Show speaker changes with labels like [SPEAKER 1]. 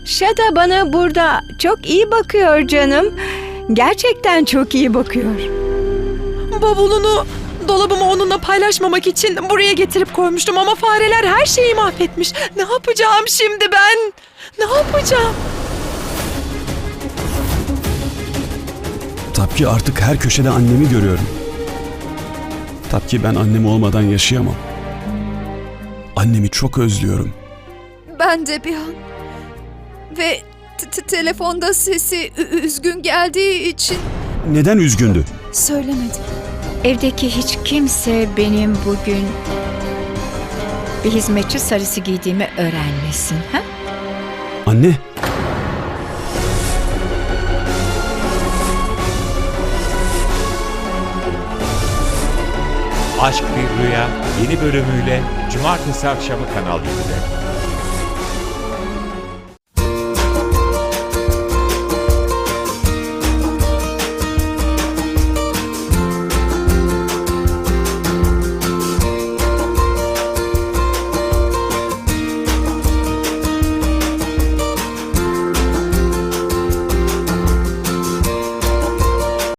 [SPEAKER 1] Şada bana burada çok iyi bakıyor canım. Gerçekten çok iyi bakıyor.
[SPEAKER 2] Bavulunu dolabımı onunla paylaşmamak için buraya getirip koymuştum ama fareler her şeyi mahvetmiş. Ne yapacağım şimdi ben? Ne yapacağım?
[SPEAKER 3] Tapki artık her köşede annemi görüyorum. Tapki ben annem olmadan yaşayamam. Annemi çok özlüyorum.
[SPEAKER 4] Ben de bir an. Ve telefonda sesi üzgün geldiği için
[SPEAKER 3] Neden üzgündü?
[SPEAKER 4] söylemedim.
[SPEAKER 1] Evdeki hiç kimse benim bugün bir hizmetçi sarısı giydiğimi öğrenmesin. Ha?
[SPEAKER 3] Anne,
[SPEAKER 5] Aşk Bir Rüya yeni bölümüyle Cumartesi akşamı Kanal 7'de.